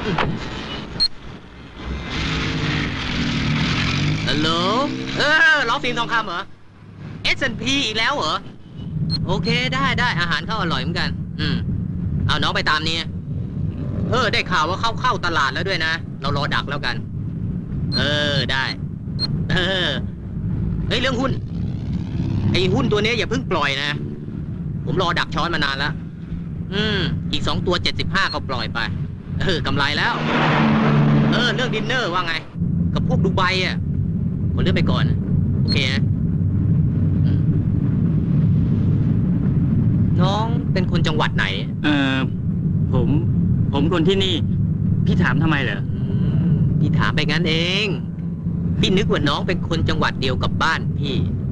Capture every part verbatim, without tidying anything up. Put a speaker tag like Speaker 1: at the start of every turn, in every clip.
Speaker 1: ฮัลโหลเออล้อฟิล์มทองคำเหรอ เอส แอนด์ พี อีกแล้วเหรอ โอเคได้ได้อาหารเขาอร่อยเหมือนกัน อืมเอาน้องไปตามนี้เออได้ข่าวว่าเข้าเข้าตลาดแล้วด้วยนะ เรารอดักแล้วกัน เออได้ เออเฮ้ยเรื่องหุ้นไอ้หุ้นตัวนี้อย่าเพิ่งปล่อยนะ ผมรอดักช้อนมานานแล้ว อืมอีกสองตัวเจ็ดสิบห้าก็ปล่อยไป เออกำไรแล้ว เออเรื่องดินเนอร์ว่าไง กับพวกดูไบอ่ะผมเลื่อนไปก่อน โอเคนะน้องเป็นคนจังหวัดไหน
Speaker 2: เออผม ผมคนที่นี่ พี่ถามทำไมเหรอ
Speaker 1: พี่ถามไปงั้นเอง พี่นึกว่าน้องเป็นคนจังหวัดเดียวกับบ้านพี่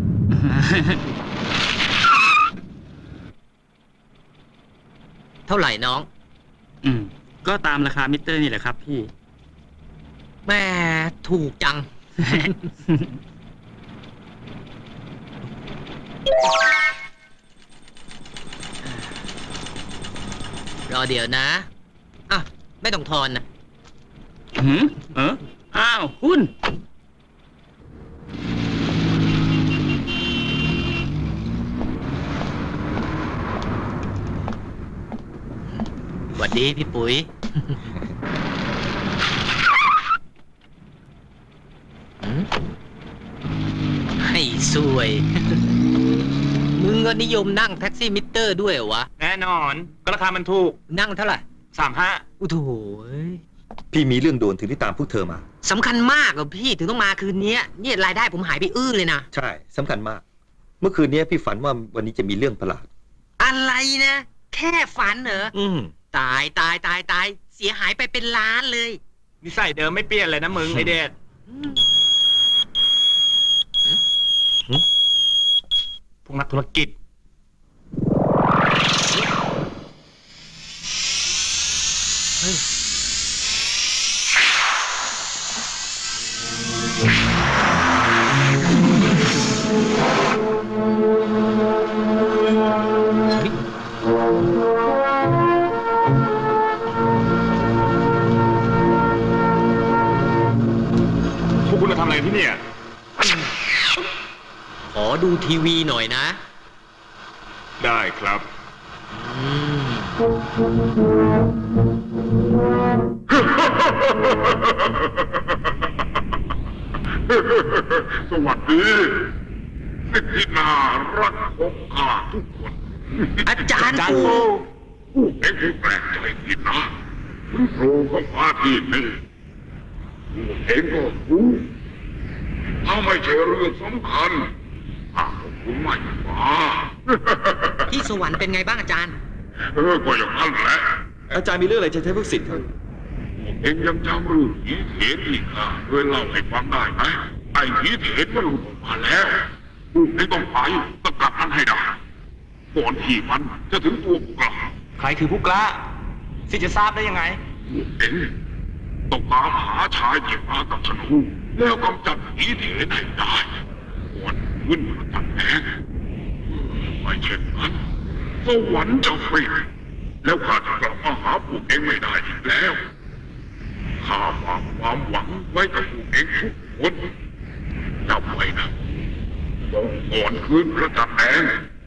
Speaker 1: เท่าไหร่น้อง
Speaker 2: อืมก็ตามราคามิเตอร์นี่แหละครับพี่
Speaker 1: แม่ถูกจัง รอเดี๋ยวนะ อ่ะ ไม่ต้องทอนนะ
Speaker 2: หืมเอออ้าวหุ้น
Speaker 1: สวัสดีพี่ปุ๋ย ให้สวย มึงก็นิยมนั่งแท็กซี่มิเตอร์ด้วยเหรอวะ
Speaker 3: แน่นอนก็ราคามันถูก
Speaker 1: นั่งเท่าไหร่
Speaker 3: สามห้า
Speaker 1: อุโถย
Speaker 4: พี่มีเรื่องด่วนถึงที่ตามพวกเธอมา
Speaker 1: สำคัญมากอะพี่ถึงต้องมาคืนนี้เนี่ยรายได้ผมหายไปอื้อเลยนะ
Speaker 4: ใช่สำคัญมาก เมื่อคืนนี้พี่ฝันว่าวันนี้จะมีเรื่องประหลาด
Speaker 1: อะไรนะ แค่ฝันเหรอ
Speaker 4: อืม
Speaker 1: ตายตายตายตายเสียหายไปเป็นล้านเลย
Speaker 3: นิสัยเดิมไม่เปลี่ยนเลยนะมึง ไอเดชพวกนักธุรกิจ
Speaker 1: เฮ้ย
Speaker 3: พวกคุณจะทำอะไรที่นี่
Speaker 1: ขอดูทีวีหน่อยนะ
Speaker 3: ได้ครับ
Speaker 1: อืม
Speaker 5: สวัสดีสิทธินารักของข้าทุกคน
Speaker 1: อาจารย์
Speaker 3: อาจารย์
Speaker 1: ปู
Speaker 3: ปู
Speaker 5: ผู้เองผู้แปลกใจที่นะถึงโผล่เข้ามาที่นี่ผู้เองก็รู้ถ้าไม่ใช่เรื่องสำคัญข้าก็คงไม่มา
Speaker 1: ที่สวรรค์เป็นไงบ้างอาจารย์
Speaker 5: เออก็อย่างนั้นแหละ
Speaker 4: อาจารย์มีเรื่องอะไรจะใช้พวกสิทธิ์ครับ
Speaker 5: พวกเองยังจำเรื่องผีเถนที่ข้าเคยเล่าให้ฟังได้ไหมไอ้ผีเถนมันหลุดออกมาแล้วพวกเองต้องไปสกัดมันให้ได้ก่อนที่มันจะถึงตัวพวกเรา
Speaker 3: ใครคือผู้กล้าสิจะทราบได้ยังไง
Speaker 5: พวกเองต้องตามหาชายที่มากับธนูแล้วกำจัดผีเถนให้ได้ก่อนขึ้นมาตัดแผงไม่เช่นนั้นสวรรค์จะปิดแล้วข้าจะกลับมาหาพวกเองไม่ได้อีกแล้วข้าฝากความหวังไว้กับพวกเองทุกคนจำไว้นะต้องก่อนคืนพระจันทร์แดง